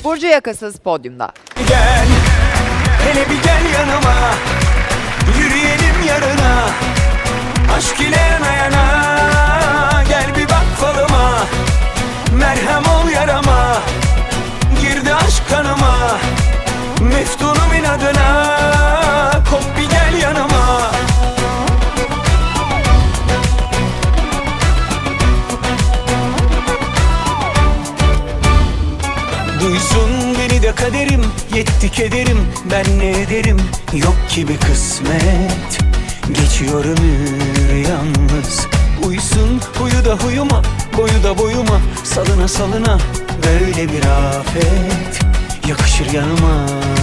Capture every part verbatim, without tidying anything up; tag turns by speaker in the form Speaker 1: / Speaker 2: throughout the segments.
Speaker 1: Burcu Yakasız podyumda.
Speaker 2: Gel, hele bir gel yanıma, yürüyelim yarına. Aşk ile yana yana, gel bir bak falıma. Merhem ol yarama, girdi aşk kanıma. Meftunum inadına, kop bir gel yanıma. Duysun beni de kaderim, yetti kederim, ben ne ederim, yok ki bir kısmet. Geçiyor ömür yalnız, uysun huyu da huyuma, boyu da boyuma. Salına salına böyle bir afet, yakışır yanıma.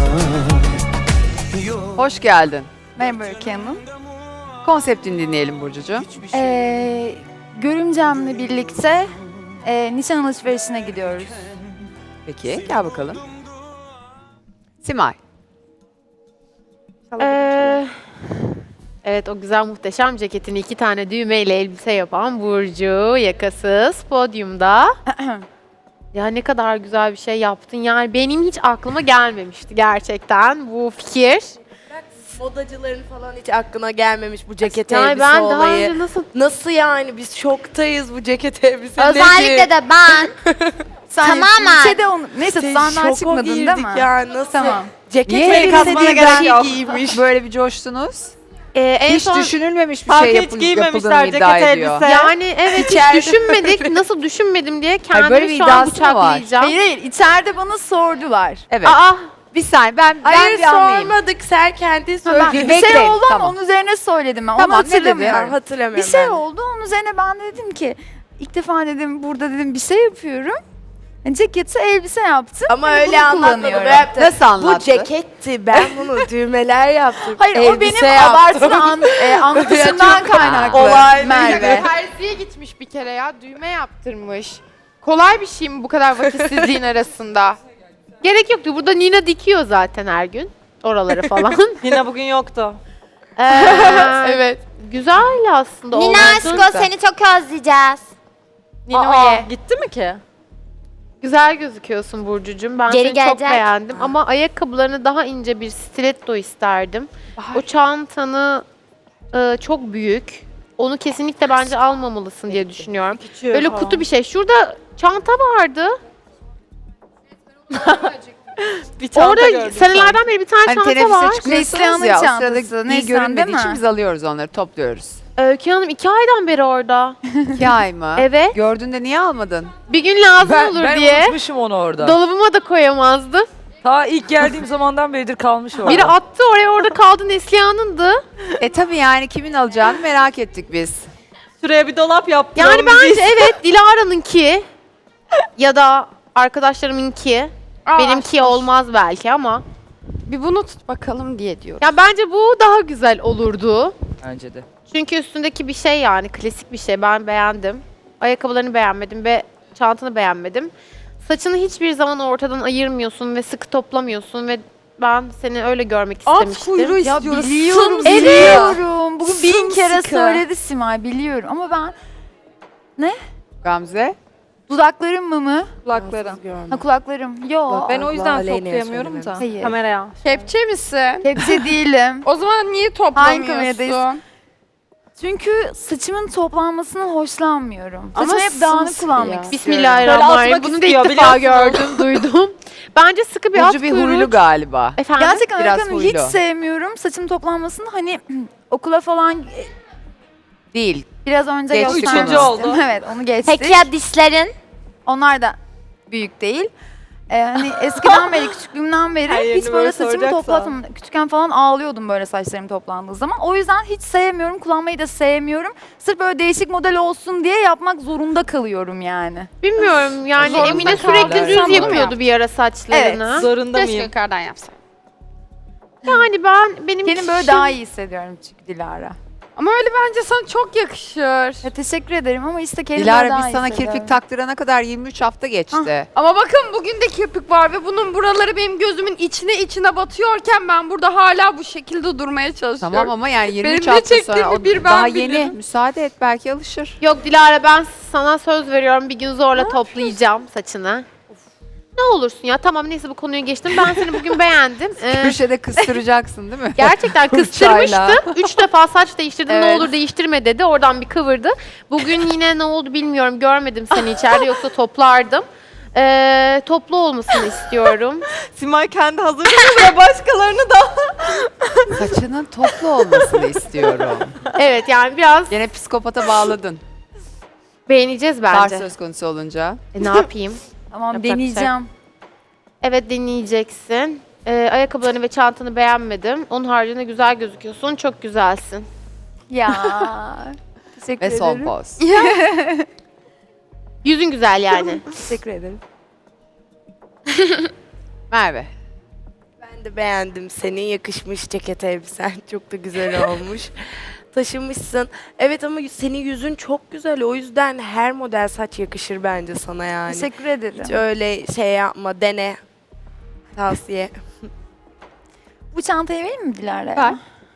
Speaker 1: Hoş geldin.
Speaker 3: Merhaba Öykü Hanım.
Speaker 1: Konseptini dinleyelim Burcucuğum.
Speaker 3: Ee, görümcemle birlikte e, nişan alışverişine gidiyoruz.
Speaker 1: Peki gel bakalım. Simay.
Speaker 4: Ee, evet, o güzel muhteşem ceketini iki tane düğmeyle elbise yapan Burcu Yakasız podyumda. Ya ne kadar güzel bir şey yaptın. Yani benim hiç aklıma gelmemişti gerçekten bu fikir.
Speaker 5: Modacıların falan hiç aklına gelmemiş bu ceket
Speaker 4: Yani
Speaker 5: elbise
Speaker 4: ben daha
Speaker 5: olayı.
Speaker 4: önce nasıl...
Speaker 5: Nasıl yani, biz şoktayız bu ceket elbise
Speaker 6: Özellikle
Speaker 5: nedir?
Speaker 6: de ben. Tamamen.
Speaker 3: Şeyde onu, neyse
Speaker 5: Şey,
Speaker 3: sahne
Speaker 5: şoka
Speaker 3: çıkmadın değil
Speaker 5: girdik
Speaker 3: mi?
Speaker 5: ya, nasıl?
Speaker 3: Tamam.
Speaker 5: Ceket
Speaker 1: Niye
Speaker 5: elbise
Speaker 1: elbise
Speaker 5: diye
Speaker 1: değil,
Speaker 5: bir
Speaker 1: ben
Speaker 5: şey
Speaker 1: yok.
Speaker 5: giymiş.
Speaker 1: Böyle bir coştunuz.
Speaker 4: Ee, en
Speaker 1: Hiç
Speaker 4: son...
Speaker 1: düşünülmemiş bir
Speaker 7: Fark
Speaker 1: şey
Speaker 7: hiç
Speaker 1: yapıl-
Speaker 7: giymemişler
Speaker 1: yapıldığını iddia
Speaker 7: ceket
Speaker 1: ediyor.
Speaker 7: elbise.
Speaker 4: Yani evet,
Speaker 5: İçeride
Speaker 4: hiç düşünmedik. Nasıl düşünmedim diye
Speaker 1: Hayır, böyle bir
Speaker 4: kendimi şu an
Speaker 1: iddiası mı var?
Speaker 4: bıçaklayacağım.
Speaker 3: Hayır hayır, içeride bana sordular.
Speaker 1: Evet.
Speaker 4: Aa,
Speaker 1: Bir saniye ben, ben
Speaker 5: Hayır
Speaker 1: bir anlayayım.
Speaker 5: sormadık, sen kendin
Speaker 3: Ben,
Speaker 5: söyledin.
Speaker 3: bir şey
Speaker 1: Bekleyin,
Speaker 3: oldu ama
Speaker 1: tamam.
Speaker 3: onun üzerine söyledim ben.
Speaker 1: Tamam,
Speaker 3: Onu
Speaker 1: ne dedi?
Speaker 3: hatırlamıyorum.
Speaker 5: Ben hatırlamıyorum.
Speaker 3: Bir şey
Speaker 5: ben de.
Speaker 3: oldu, onun üzerine ben de dedim ki ilk defa dedim burada dedim bir şey yapıyorum. Yani ceketi elbise yaptım.
Speaker 5: Ama
Speaker 3: Hani
Speaker 5: öyle
Speaker 3: bunu
Speaker 5: anlatmadı.
Speaker 3: kullanıyorum.
Speaker 5: Böyle yaptı.
Speaker 1: Nasıl anlattı?
Speaker 5: Bu ceketti, ben bunu düğmeler yaptım.
Speaker 3: Hayır o
Speaker 5: elbise
Speaker 3: benim
Speaker 5: yaptım.
Speaker 3: abartılı an, e, anlatışımdan kaynaklı.
Speaker 5: Olay
Speaker 3: Merve.
Speaker 4: terziye gitmiş bir kere ya. Düğme yaptırmış. Kolay bir şey mi bu kadar vakitsizliğin arasında? Gerek yoktu. Burada Nina dikiyor zaten her gün. Oraları falan.
Speaker 7: Yine bugün yoktu.
Speaker 4: Ee,
Speaker 5: Evet.
Speaker 4: Güzel aslında.
Speaker 6: Nina
Speaker 4: olmadığında.
Speaker 6: aşko seni çok özleyeceğiz.
Speaker 4: Nino'ye.
Speaker 7: Gitti mi ki?
Speaker 4: Güzel gözüküyorsun Burcucuğum. Ben
Speaker 6: Geri
Speaker 4: seni çok
Speaker 6: gelecek.
Speaker 4: beğendim. Ama ayakkabılarını daha ince bir stiletto isterdim. O çantanı e, çok büyük. Onu kesinlikle bence almamalısın diye düşünüyorum.
Speaker 7: Küçüğü
Speaker 4: Böyle
Speaker 7: falan.
Speaker 4: kutu bir şey. Şurada çanta vardı.
Speaker 7: Bir çanta
Speaker 4: Orada
Speaker 7: gördüm
Speaker 4: senelerden beri bir tane
Speaker 1: Hani
Speaker 4: çanta
Speaker 1: teneffüse
Speaker 4: var.
Speaker 1: çıkıyorsunuz
Speaker 3: Neslihan'ın
Speaker 1: ya, o
Speaker 3: çantası,
Speaker 1: sırada iyi
Speaker 3: Neslihan
Speaker 1: görünmediği
Speaker 3: değil
Speaker 1: için
Speaker 3: mi?
Speaker 1: biz alıyoruz onları, topluyoruz.
Speaker 4: Öykü Hanım iki aydan beri orada.
Speaker 1: İki ay mı?
Speaker 4: Evet.
Speaker 1: Gördüğünde niye almadın?
Speaker 4: Bir gün lazım
Speaker 7: Ben,
Speaker 4: olur
Speaker 7: ben
Speaker 4: diye.
Speaker 7: unutmuşum onu orada.
Speaker 4: Dolabıma da koyamazdım.
Speaker 7: Ta ilk geldiğim zamandan beridir kalmış orada.
Speaker 4: Biri attı oraya, orada kaldı, Neslihan'ındı.
Speaker 1: E tabii yani kimin alacağını merak ettik biz.
Speaker 7: Şuraya bir dolap yaptım.
Speaker 4: Yani bence evet, Dilara'nınki ya da arkadaşlarımınki. Benimki olmaz belki ama.
Speaker 5: Bir bunu tut bakalım diye diyor.
Speaker 4: Ya bence bu daha güzel olurdu.
Speaker 7: Bence de.
Speaker 4: Çünkü üstündeki bir şey, yani klasik bir şey, ben beğendim. Ayakkabılarını beğenmedim ve çantanı beğenmedim. Saçını hiçbir zaman ortadan ayırmıyorsun ve sıkı toplamıyorsun ve ben seni öyle görmek istemiştim.
Speaker 3: Ya biliyorum,
Speaker 4: Evet.
Speaker 3: biliyorum. Bugün bin kere
Speaker 5: Sımsıkı.
Speaker 3: söyledi Simay, biliyorum. Ama ben
Speaker 1: Gamze?
Speaker 3: dudaklarım mı mı?
Speaker 7: Kulaklarım.
Speaker 3: Ha kulaklarım. Yo.
Speaker 7: Ben o yüzden
Speaker 5: Aleyna'ya
Speaker 7: toplayamıyorum da.
Speaker 5: söylememiz.
Speaker 3: Hayır.
Speaker 7: Kameraya.
Speaker 5: Kepçe misin?
Speaker 3: Hepsi değilim.
Speaker 5: O zaman niye
Speaker 3: Hangi kameradayız?
Speaker 5: toplamıyorsun?
Speaker 3: Çünkü saçımın toplanmasından hoşlanmıyorum.
Speaker 5: Ama
Speaker 3: Saçımı hep dağınık
Speaker 5: sımsıkı
Speaker 3: kullanmak
Speaker 5: ya.
Speaker 3: istiyorum.
Speaker 4: Bismillahirrahmanirrahim.
Speaker 7: Böyle
Speaker 4: Bunu da
Speaker 7: atmak
Speaker 4: ilk defa
Speaker 7: istiyor,
Speaker 4: gördüm, duydum. Bence sıkı bir at
Speaker 1: Burcu bir
Speaker 4: kuyruğu.
Speaker 1: huylu galiba.
Speaker 4: Efendim?
Speaker 3: Gerçekten
Speaker 1: Biraz
Speaker 3: Öykü Hanım hiç
Speaker 1: huylu.
Speaker 3: sevmiyorum saçım toplanmasını. Hani okula falan
Speaker 1: Değil.
Speaker 3: biraz önce
Speaker 1: Geçtik
Speaker 3: göstermiştim.
Speaker 7: Üçüncü oldu.
Speaker 3: Evet, onu geçtik.
Speaker 6: Peki ya dişlerin?
Speaker 3: Onlar da büyük değil. Ee, hani eskiden beri, küçüklüğümden beri
Speaker 7: Her yerini
Speaker 3: hiç böyle
Speaker 7: böyle
Speaker 3: saçımı
Speaker 7: soracaksa.
Speaker 3: toplatmadım. Küçükken falan ağlıyordum böyle saçlarım toplandığı zaman. O yüzden hiç sevmiyorum, kullanmayı da sevmiyorum. Sırf böyle değişik model olsun diye yapmak zorunda kalıyorum yani.
Speaker 4: Bilmiyorum yani,
Speaker 5: Zorunda
Speaker 4: Emine
Speaker 5: kaldın.
Speaker 4: sürekli
Speaker 5: Sen
Speaker 4: düz
Speaker 5: bunu mu
Speaker 4: yapıyordu
Speaker 5: yaptın?
Speaker 4: bir ara saçlarını.
Speaker 7: Zorunda
Speaker 5: Keşke
Speaker 7: mıyım?
Speaker 5: yukarıdan yapsam.
Speaker 4: Yani ben benim
Speaker 3: Kendim böyle daha iyi hissediyorum çünkü Dilara.
Speaker 5: Ama öyle bence sana çok yakışır.
Speaker 3: Ya teşekkür ederim ama işte kendimi
Speaker 1: Dilara
Speaker 3: daha
Speaker 1: biz
Speaker 3: iyi
Speaker 1: sana
Speaker 3: hissediyorum.
Speaker 1: kirpik taktırana kadar yirmi üç hafta geçti.
Speaker 5: Ama bakın bugün de kirpik var ve bunun buraları benim gözümün içine içine batıyorken ben burada hala bu şekilde durmaya çalışıyorum.
Speaker 1: Tamam ama yani yirmi üç
Speaker 5: Benim ne
Speaker 1: hafta sonra
Speaker 5: çektiğimi
Speaker 1: o
Speaker 5: bir ben
Speaker 1: daha
Speaker 5: bilirim.
Speaker 1: yeni. Müsaade et, belki alışır.
Speaker 4: Yok Dilara, ben sana söz veriyorum, bir gün zorla toplayacağım saçını. Ne olursun ya, tamam neyse bu konuyu geçtim. Ben seni bugün beğendim. Ee,
Speaker 1: Köşede kıstıracaksın değil mi?
Speaker 4: gerçekten
Speaker 1: Fırçayla.
Speaker 4: kıstırmıştı. Üç defa saç değiştirdim, ne
Speaker 1: Evet.
Speaker 4: olur değiştirme dedi. Oradan bir kıvırdı. Bugün yine ne oldu bilmiyorum. Görmedim seni içeride, yoksa toplardım. Ee, toplu olmasını istiyorum.
Speaker 7: Simay kendi hazırlıyor ve başkalarını da.
Speaker 1: Saçının toplu olmasını istiyorum.
Speaker 4: Evet yani biraz
Speaker 1: Gene psikopata bağladın.
Speaker 4: beğeneceğiz
Speaker 1: Tarz
Speaker 4: bence.
Speaker 1: söz konusu olunca.
Speaker 4: E, ne yapayım?
Speaker 3: Tamam
Speaker 4: Yapacak bir şey
Speaker 3: deneyeceğim.
Speaker 4: Evet, deneyeceksin. Ee, ayakkabılarını ve çantanı beğenmedim. Onun haricinde güzel gözüküyorsun. Çok güzelsin.
Speaker 3: Ya. Teşekkür
Speaker 1: Ve
Speaker 3: ederim.
Speaker 1: son poz.
Speaker 4: Yüzün güzel yani.
Speaker 3: Teşekkür ederim.
Speaker 1: Merve.
Speaker 8: Ben de beğendim seni. Yakışmış ceket elbisen. Çok da güzel olmuş. Taşımışsın. Evet ama senin yüzün çok güzel. O yüzden her model saç yakışır bence sana yani.
Speaker 3: Teşekkür ederim.
Speaker 8: Hiç öyle şey yapma. Dene. Tavsiye.
Speaker 3: Bu çantayı vereyim mi Dilara?
Speaker 1: Ver.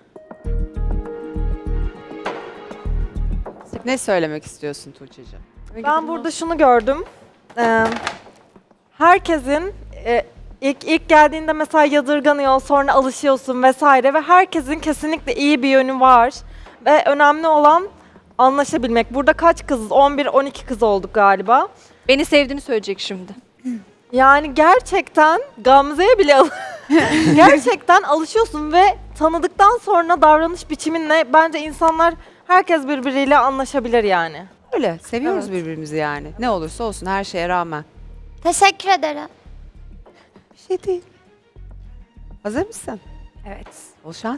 Speaker 1: Ne söylemek istiyorsun Tuğçe'ciğim?
Speaker 9: Ben burada şunu gördüm. Ee, herkesin e, ilk ilk geldiğinde mesela yadırganıyor, sonra alışıyorsun vesaire ve herkesin kesinlikle iyi bir yönü var. Ve önemli olan anlaşabilmek. Burada kaç kızız? on bir on iki kız olduk galiba.
Speaker 5: Beni sevdiğini söyleyecek şimdi.
Speaker 9: Yani gerçekten Gamze'ye bile al- gerçekten alışıyorsun ve tanıdıktan sonra davranış biçiminle bence insanlar, herkes birbiriyle anlaşabilir yani.
Speaker 1: Öyle. Seviyoruz
Speaker 9: Evet.
Speaker 1: birbirimizi yani. Ne olursa olsun her şeye rağmen.
Speaker 6: Teşekkür ederim.
Speaker 1: Bir şey değil. Hazır mısın?
Speaker 3: Evet.
Speaker 1: Bol şans.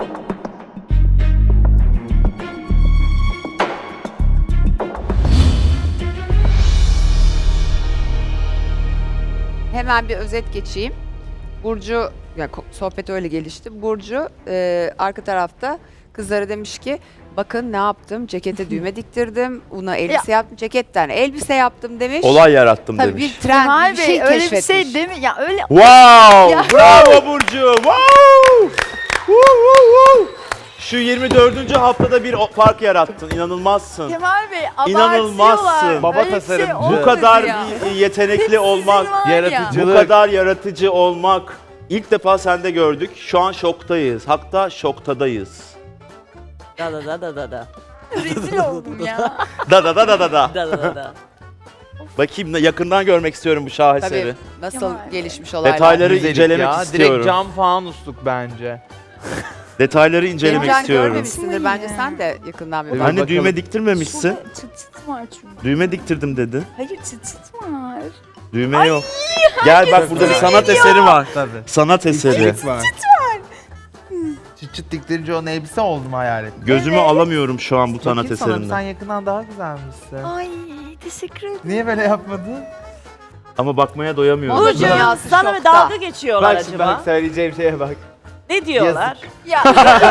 Speaker 1: Hemen bir özet geçeyim. Burcu, ya ko- sohbet öyle gelişti. Burcu e, arka tarafta kızlara demiş ki bakın ne yaptım, cekete düğme diktirdim, una elbise yaptım, ceketten elbise yaptım demiş.
Speaker 10: Olay yarattım
Speaker 1: Tabii
Speaker 10: demiş.
Speaker 1: bir trend,
Speaker 3: Kemal
Speaker 1: bir
Speaker 3: Bey
Speaker 1: şey
Speaker 3: öyle bir
Speaker 1: keşfetmiş.
Speaker 3: şey değil mi? Ya öyle
Speaker 10: Wow! Bravo Burcu! Wow! Woo, woo, woo! Şu yirmi dördüncü haftada bir o- fark yarattın. İnanılmazsın.
Speaker 3: Kemal Bey
Speaker 10: İnanılmazsın.
Speaker 3: abartıyorlar.
Speaker 10: Baba
Speaker 3: Öyle bir şey
Speaker 10: tasarımcı. Bu
Speaker 3: olmadı
Speaker 10: kadar
Speaker 3: ya.
Speaker 10: bir yetenekli olmak,
Speaker 3: Sizin var ya.
Speaker 10: bu kadar yaratıcı olmak ilk defa sende gördük. Şu an şoktayız. Hatta şoktadayız.
Speaker 7: Da da da da da da.
Speaker 3: Rezil oldum ya.
Speaker 10: Da da da da da da.
Speaker 7: Da da da da.
Speaker 10: Bakayım yakından görmek istiyorum bu şaheseri.
Speaker 1: Tabii nasıl
Speaker 3: Kemal.
Speaker 1: gelişmiş olaylar.
Speaker 10: Detayları
Speaker 11: Güzellik
Speaker 10: incelemek
Speaker 11: ya.
Speaker 10: istiyorum.
Speaker 11: Direkt cam fanusluk bence.
Speaker 10: Detayları incelemek
Speaker 1: Geleceğini
Speaker 10: istiyorum.
Speaker 1: görmemişsindir. Bence sen de yakından bir
Speaker 11: Evet.
Speaker 1: bak.
Speaker 10: Hani
Speaker 11: Bakalım.
Speaker 10: düğme diktirmemişsin.
Speaker 3: Şurada çıt çıt var çünkü.
Speaker 10: Düğme diktirdim dedin.
Speaker 3: Hayır çıt çıt var.
Speaker 10: Düğme yok. Gel bak burada bir sanat eseri var.
Speaker 11: Tabii.
Speaker 10: Sanat eseri.
Speaker 11: Çıt var. Çıt çıt diktirince onun elbise oldum hayal ettim.
Speaker 10: Gözümü alamıyorum şu an bu sanat
Speaker 11: Bakayım sana, Sen
Speaker 10: eserinden.
Speaker 11: yakından daha güzelmişsin.
Speaker 3: Ay teşekkür ederim.
Speaker 11: Niye böyle yapmadın?
Speaker 10: Ama bakmaya doyamıyorum.
Speaker 1: Moda dünyası
Speaker 7: Sana bir
Speaker 1: şokta.
Speaker 7: dalga geçiyorlar
Speaker 11: Bak şimdi
Speaker 7: acaba?
Speaker 11: bak söyleyeceğim şeye bak.
Speaker 7: Ne diyorlar?
Speaker 3: Ya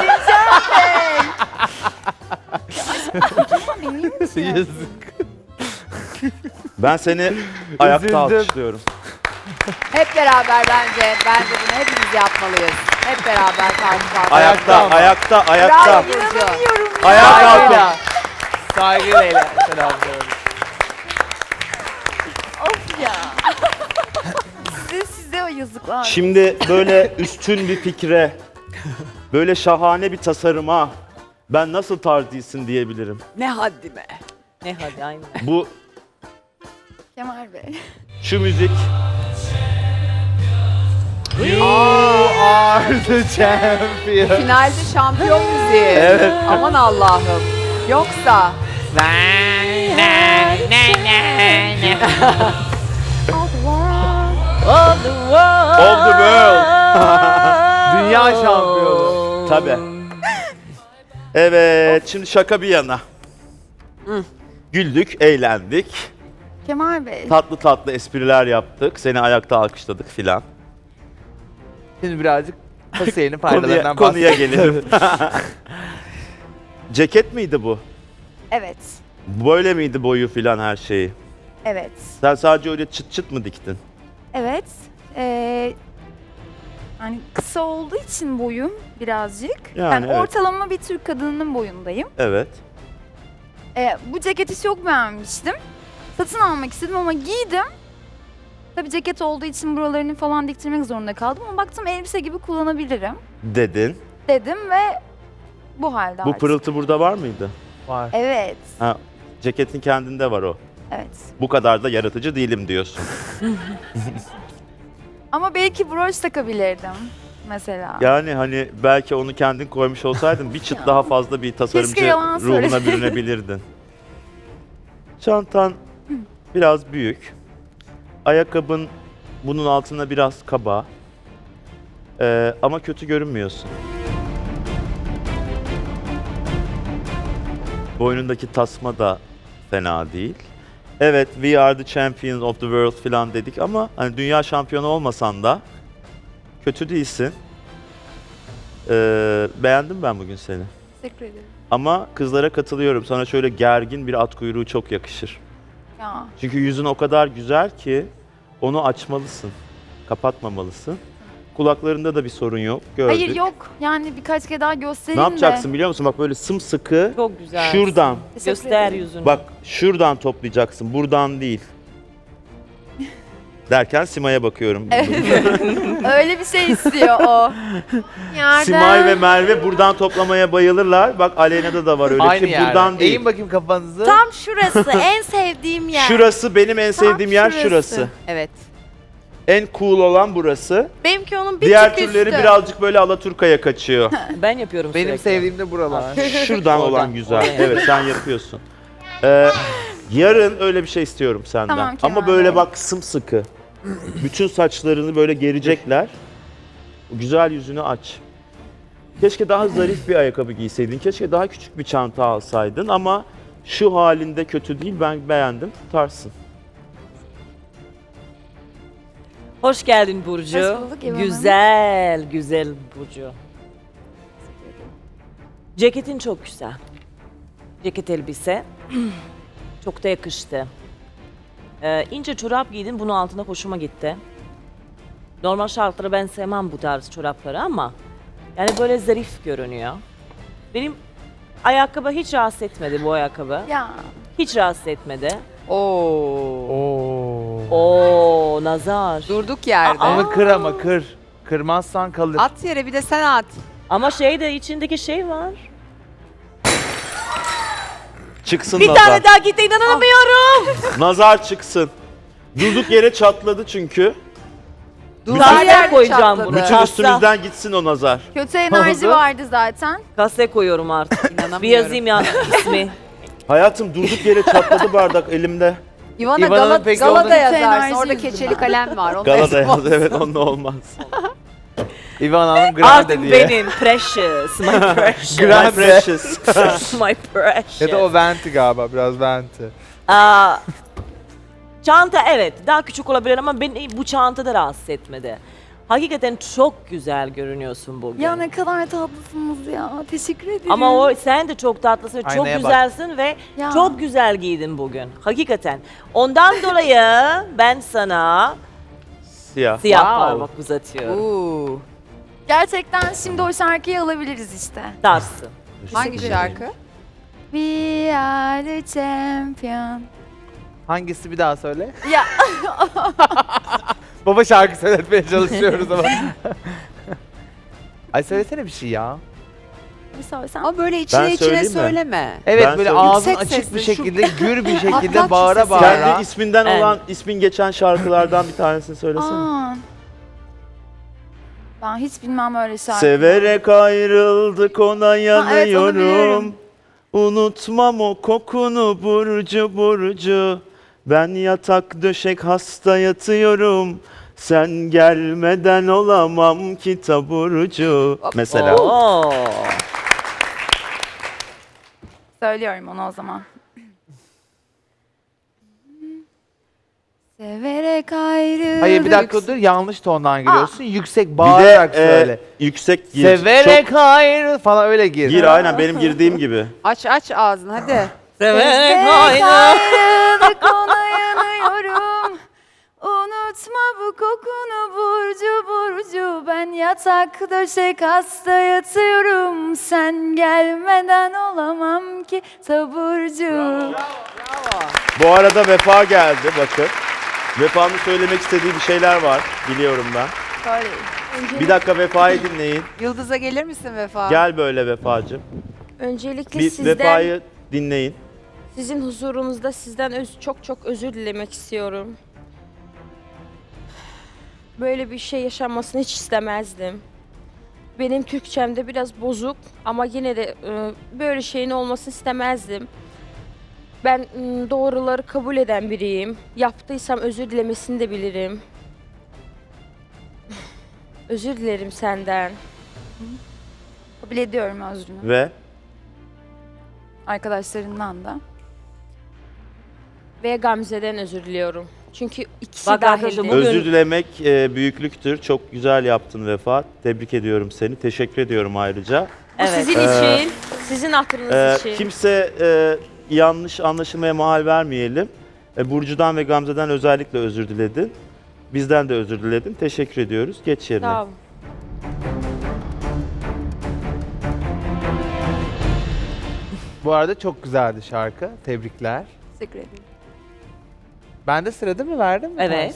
Speaker 11: Yazık.
Speaker 10: Ben seni ayakta
Speaker 11: Üzüldüm.
Speaker 10: alkışlıyorum.
Speaker 1: Hep beraber bence. Bence bunu hepimiz yapmalıyız. Hep beraber karşı karşıya.
Speaker 10: Ayakta,
Speaker 11: ama.
Speaker 10: ayakta, ayakta.
Speaker 1: Bravo Burcu.
Speaker 10: Ayağa kalkın.
Speaker 11: Saygıyla. Saygıyla. Selamlıyorum.
Speaker 3: of ya. size size o yazıklar.
Speaker 10: Şimdi böyle üstün bir fikre, böyle şahane bir tasarıma ben nasıl tarz değilsin diyebilirim.
Speaker 1: Ne haddime.
Speaker 7: Ne hadi aynen.
Speaker 10: Bu,
Speaker 3: Kemal Bey.
Speaker 10: şu müzik
Speaker 11: You are the champion.
Speaker 1: Finalde şampiyon müziği.
Speaker 10: Evet.
Speaker 1: Aman Allah'ım. Yoksa
Speaker 7: All the world.
Speaker 10: All the world.
Speaker 11: Dünya şampiyonu.
Speaker 10: Tabii. Evet, şimdi şaka bir yana. Güldük, eğlendik.
Speaker 3: Kemal Bey.
Speaker 10: Tatlı tatlı espriler yaptık. Seni ayakta alkışladık filan.
Speaker 11: Şimdi birazcık Hüseyin'in
Speaker 10: Konuya,
Speaker 11: faydalarından
Speaker 10: konuya
Speaker 11: bahsedelim.
Speaker 10: gelelim. Ceket miydi bu?
Speaker 3: Evet.
Speaker 10: Böyle miydi boyu filan her şeyi?
Speaker 3: Evet.
Speaker 10: Sen sadece öyle çıt çıt mı diktin?
Speaker 3: Evet. Ee, hani kısa olduğu için boyum birazcık.
Speaker 10: Yani
Speaker 3: Yani,
Speaker 10: evet.
Speaker 3: ortalama bir Türk kadınının boyundayım.
Speaker 10: Evet.
Speaker 3: Ee, bu ceketi çok beğenmiştim. Satın almak istedim ama giydim. Tabii ceket olduğu için buralarını falan diktirmek zorunda kaldım ama baktım elbise gibi kullanabilirim
Speaker 10: Dedin.
Speaker 3: dedim ve bu halde
Speaker 10: Bu
Speaker 3: artık.
Speaker 10: pırıltı burada var mıydı?
Speaker 11: Var.
Speaker 3: Evet,
Speaker 10: Ha, ceketin kendinde var o.
Speaker 3: evet.
Speaker 10: Bu kadar da yaratıcı değilim diyorsun.
Speaker 3: Ama belki broş takabilirdim mesela.
Speaker 10: Yani hani belki onu kendin koymuş olsaydın bir çıt daha fazla bir tasarımcı
Speaker 3: Keşke yalan
Speaker 10: ruhuna
Speaker 3: söyleseydin.
Speaker 10: bürünebilirdin. Çantan biraz büyük. Ayakkabın bunun altına biraz kaba. Ee, ama kötü görünmüyorsun. Boynundaki tasma da fena değil. Evet, we are the champions of the world falan dedik ama hani dünya şampiyonu olmasan da kötü değilsin. Ee, beğendim ben bugün seni.
Speaker 3: Teşekkür ederim.
Speaker 10: Ama kızlara katılıyorum. Sana şöyle gergin bir at kuyruğu çok yakışır.
Speaker 3: Ya.
Speaker 10: Çünkü yüzün o kadar güzel ki onu açmalısın. Kapatmamalısın. Kulaklarında da bir sorun yok. Gördük.
Speaker 3: Hayır yok. Yani birkaç kere daha
Speaker 10: Ne
Speaker 3: göstereyim
Speaker 10: yapacaksın
Speaker 3: de.
Speaker 10: biliyor musun? Bak böyle sımsıkı
Speaker 7: Çok güzel.
Speaker 10: şuradan.
Speaker 3: Teşekkür
Speaker 7: Göster
Speaker 3: ederim.
Speaker 7: yüzünü.
Speaker 10: Bak şuradan toplayacaksın. Buradan değil. Derken Sima'ya bakıyorum.
Speaker 3: Öyle bir şey istiyor o.
Speaker 4: Yerden.
Speaker 10: Simay ve Merve buradan toplamaya bayılırlar. Bak Aleyna'da da var öyle bir
Speaker 11: Aynı
Speaker 10: şey.
Speaker 11: yerde.
Speaker 10: Buradan değil.
Speaker 11: Eğin bakayım kafanızı.
Speaker 8: Tam şurası en sevdiğim yer.
Speaker 10: Şurası benim en sevdiğim yer
Speaker 8: şurası.
Speaker 10: şurası.
Speaker 1: Evet.
Speaker 10: En cool olan burası.
Speaker 8: Benimki onun bir
Speaker 10: Diğer
Speaker 8: tık
Speaker 10: türleri
Speaker 8: üstü.
Speaker 10: birazcık böyle Alaturka'ya kaçıyor.
Speaker 7: Ben yapıyorum
Speaker 11: Benim
Speaker 7: sürekli.
Speaker 11: sevdiğim de buralar.
Speaker 10: Şuradan
Speaker 7: Oradan,
Speaker 10: olan güzel.
Speaker 7: oradan.
Speaker 10: Evet sen yapıyorsun. Ee, yarın öyle bir şey istiyorum senden.
Speaker 3: Tamam, Kemal
Speaker 10: Ama böyle
Speaker 3: Bey.
Speaker 10: bak sımsıkı. Bütün saçlarını böyle gerecekler. Güzel yüzünü aç. Keşke daha zarif bir ayakkabı giyseydin. Keşke daha küçük bir çanta alsaydın ama şu halinde kötü değil. Ben beğendim. Tutarsın.
Speaker 7: Hoş geldin Burcu.
Speaker 3: Hoş bulduk İvan Hanım.
Speaker 7: Güzel, güzel Burcu. Ceketin çok güzel. Ceket elbise. Çok da yakıştı. Ee, ince çorap giydin, bunun altına hoşuma gitti. Normal şartları ben sevmem bu tarz çorapları ama yani böyle zarif görünüyor. Benim ayakkabı hiç rahatsız etmedi bu ayakkabı.
Speaker 3: Ya.
Speaker 7: Hiç rahatsız etmedi.
Speaker 1: Oo.
Speaker 11: Oo.
Speaker 7: Oo, nazar.
Speaker 1: Durduk yerde.
Speaker 11: Ama kır ama kır. Kırmazsan kalır.
Speaker 1: At yere bir de sen at.
Speaker 7: Ama şey de içindeki şey var.
Speaker 10: Çıksın
Speaker 7: Bir
Speaker 10: nazar.
Speaker 7: tane daha gitti, inanamıyorum.
Speaker 10: Nazar çıksın. Durduk yere çatladı çünkü.
Speaker 1: Durduk
Speaker 7: Kasaya
Speaker 1: yerde
Speaker 7: koyacağım
Speaker 1: çatladı.
Speaker 7: bunu.
Speaker 10: Bütün
Speaker 7: Kasa.
Speaker 10: üstümüzden gitsin o nazar.
Speaker 3: Kötü enerji
Speaker 11: oldu?
Speaker 3: vardı zaten.
Speaker 7: Kasaya koyuyorum artık.
Speaker 1: İnanamıyorum.
Speaker 7: Bir yazayım ya ismi.
Speaker 10: Hayatım durduk yere çatladı bardak elimde.
Speaker 1: İvana
Speaker 11: İvan'ın
Speaker 1: Gala,
Speaker 11: peki
Speaker 1: Galada
Speaker 11: orada-
Speaker 1: yazarsın.
Speaker 3: Enerji
Speaker 1: Orada
Speaker 3: yüzünden.
Speaker 1: keçeli kalem var. Onu
Speaker 10: Galada
Speaker 1: yazmaz.
Speaker 10: yaz. Evet onunla olmaz.
Speaker 11: İvan Hanım grande
Speaker 7: Artık
Speaker 11: diye.
Speaker 7: benim precious, my precious,
Speaker 10: My
Speaker 11: Grande.
Speaker 10: precious.
Speaker 7: my precious.
Speaker 11: Ya da o venti galiba biraz venti.
Speaker 7: Aa, çanta evet daha küçük olabilir ama beni bu çanta da rahatsız etmedi. Hakikaten çok güzel görünüyorsun bugün.
Speaker 3: Ya ne kadar tatlısınız ya. Teşekkür ederim.
Speaker 7: Ama o sen de çok tatlısın, çok
Speaker 11: Aynaya bak.
Speaker 7: güzelsin ve
Speaker 3: Ya.
Speaker 7: çok güzel giydin bugün. Hakikaten. Ondan dolayı ben sana
Speaker 10: Siyah.
Speaker 7: siyah
Speaker 10: Wow.
Speaker 7: parmak uzatıyorum.
Speaker 1: Oo.
Speaker 3: Gerçekten şimdi o şarkıyı alabiliriz işte.
Speaker 7: Tarsın.
Speaker 1: Hangi şarkı?
Speaker 3: We are the champion.
Speaker 11: Hangisi bir daha söyle?
Speaker 3: Ya
Speaker 11: Baba şarkı söyletmeye çalışıyoruz ama. Ay söylesene bir şey ya.
Speaker 3: bir söylesem.
Speaker 1: Ama böyle içine
Speaker 10: Ben
Speaker 1: içine
Speaker 10: söyleyeyim mi?
Speaker 1: söyleme.
Speaker 11: Evet
Speaker 10: Ben
Speaker 11: böyle
Speaker 10: söyleyeyim.
Speaker 11: ağzın
Speaker 1: Yüksek
Speaker 11: açık bir
Speaker 1: sesle şu-
Speaker 11: şekilde, gür bir
Speaker 1: Atlat
Speaker 11: şekilde
Speaker 1: şu
Speaker 11: bağıra
Speaker 1: sesi.
Speaker 11: bağıra.
Speaker 10: Kendi isminden
Speaker 7: Evet.
Speaker 10: olan, ismin geçen şarkılardan bir tanesini söylesene.
Speaker 3: Aa. Ben hiç bilmem öyle şarkı.
Speaker 10: Severek ayrıldık ona
Speaker 3: evet, onu
Speaker 10: yanıyorum.
Speaker 3: biliyorum.
Speaker 10: Unutmam o kokunu Burcu Burcu. Ben yatak döşek hasta yatıyorum. Sen gelmeden olamam ki taburcu. Mesela.
Speaker 7: Oo.
Speaker 3: Söylüyorum onu o zaman. Severek ayrıldık.
Speaker 11: Hayır bir dakika dur yanlış tondan giriyorsun. Yüksek
Speaker 10: Bir de
Speaker 11: bağırarak
Speaker 10: e,
Speaker 11: söyle.
Speaker 10: yüksek gir.
Speaker 11: Severek ayrıl falan öyle gir.
Speaker 10: Çok, gir aynen benim girdiğim gibi.
Speaker 1: Aç aç ağzını hadi.
Speaker 7: Severek aynı.
Speaker 3: ayrıldık ona yanıyorum. Unutma bu kokunu Burcu Burcu. Ben yatak döşek hasta yatıyorum. Sen gelmeden olamam ki taburcu.
Speaker 10: Bu arada Vefa geldi bakın. Vefa'nın söylemek istediği bir şeyler var. Biliyorum ben. Bir dakika Vefa'yı dinleyin.
Speaker 1: Yıldız'a gelir misin Vefa?
Speaker 10: Gel böyle Vefa'cığım.
Speaker 12: Öncelikle
Speaker 10: Bir
Speaker 12: sizden,
Speaker 10: Vefa'yı dinleyin.
Speaker 12: sizin huzurunuzda sizden öz, çok çok özür dilemek istiyorum. Böyle bir şey yaşanmasını hiç istemezdim. Benim Türkçemde biraz bozuk ama yine de e, böyle şeyin olmasını istemezdim. Ben m, doğruları kabul eden biriyim. Yaptıysam özür dilemesini de bilirim. Özür dilerim senden.
Speaker 3: Kabul ediyorum özrünü.
Speaker 10: Ve
Speaker 3: Arkadaşlarından da.
Speaker 12: Ve Gamze'den özür diliyorum. Çünkü ikisi
Speaker 7: Bak
Speaker 12: dahildi.
Speaker 7: arkadaşlar, bugün-
Speaker 10: özür dilemek e, büyüklüktür. Çok güzel yaptın Vefa. Tebrik ediyorum seni. Teşekkür ediyorum ayrıca.
Speaker 12: Bu
Speaker 7: Evet.
Speaker 12: sizin
Speaker 10: Ee,
Speaker 12: için, sizin hatırınız
Speaker 10: Ee,
Speaker 12: için.
Speaker 10: kimse e, yanlış anlaşılmaya mahal vermeyelim. E, Burcu'dan ve Gamze'den özellikle özür diledin. Bizden de özür diledin. Teşekkür ediyoruz. Geç yerine.
Speaker 12: Sağ olun.
Speaker 11: Bu arada çok güzeldi şarkı. Tebrikler.
Speaker 1: Teşekkür ederim.
Speaker 11: Ben de sırada mı verdim mi?
Speaker 7: Evet.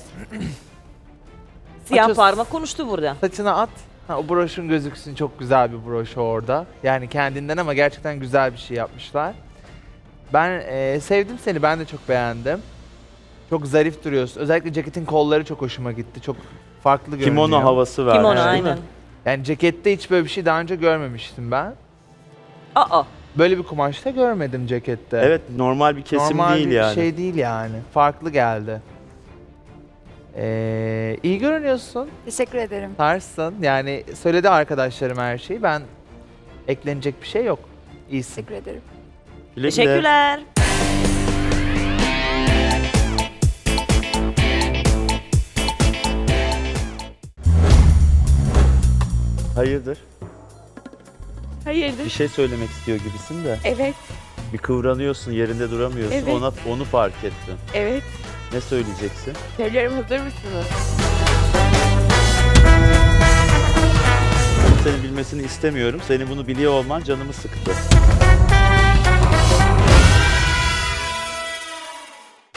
Speaker 7: Siyah
Speaker 11: Açız.
Speaker 7: parmak konuştu burada.
Speaker 11: Saçına at. Ha, o broşun gözüksün. Çok güzel bir broş orada. Yani kendinden ama gerçekten güzel bir şey yapmışlar. Ben e, sevdim seni. Ben de çok beğendim. Çok zarif duruyorsun. Özellikle ceketin kolları çok hoşuma gitti. Çok farklı görünüyor.
Speaker 10: Kimono havası vermiş.
Speaker 7: Kimono
Speaker 10: değil mi?
Speaker 7: aynen.
Speaker 11: Yani cekette hiç böyle bir şey daha önce görmemiştim ben.
Speaker 7: Aa.
Speaker 11: Böyle bir kumaşta görmedim cekette.
Speaker 10: Evet, normal bir kesim
Speaker 11: Normal
Speaker 10: değil
Speaker 11: bir
Speaker 10: yani.
Speaker 11: şey değil yani. Farklı geldi. Ee, iyi görünüyorsun.
Speaker 3: Teşekkür ederim.
Speaker 11: Tarsın. Yani söyledi arkadaşlarım her şeyi. Ben eklenecek bir şey yok. İyisin.
Speaker 3: Teşekkür ederim.
Speaker 10: Güle güle.
Speaker 7: Teşekkürler.
Speaker 10: Hayırdır?
Speaker 12: Hayırdır?
Speaker 10: Bir şey söylemek istiyor gibisin de.
Speaker 12: Evet,
Speaker 10: Bir kıvranıyorsun, yerinde duramıyorsun.
Speaker 12: Evet.
Speaker 10: Ona onu fark ettim.
Speaker 12: evet.
Speaker 10: Ne söyleyeceksin?
Speaker 12: Söylüyorum, hazır mısınız?
Speaker 10: Senin bilmesini istemiyorum. Senin bunu biliyor olman canımı sıktı.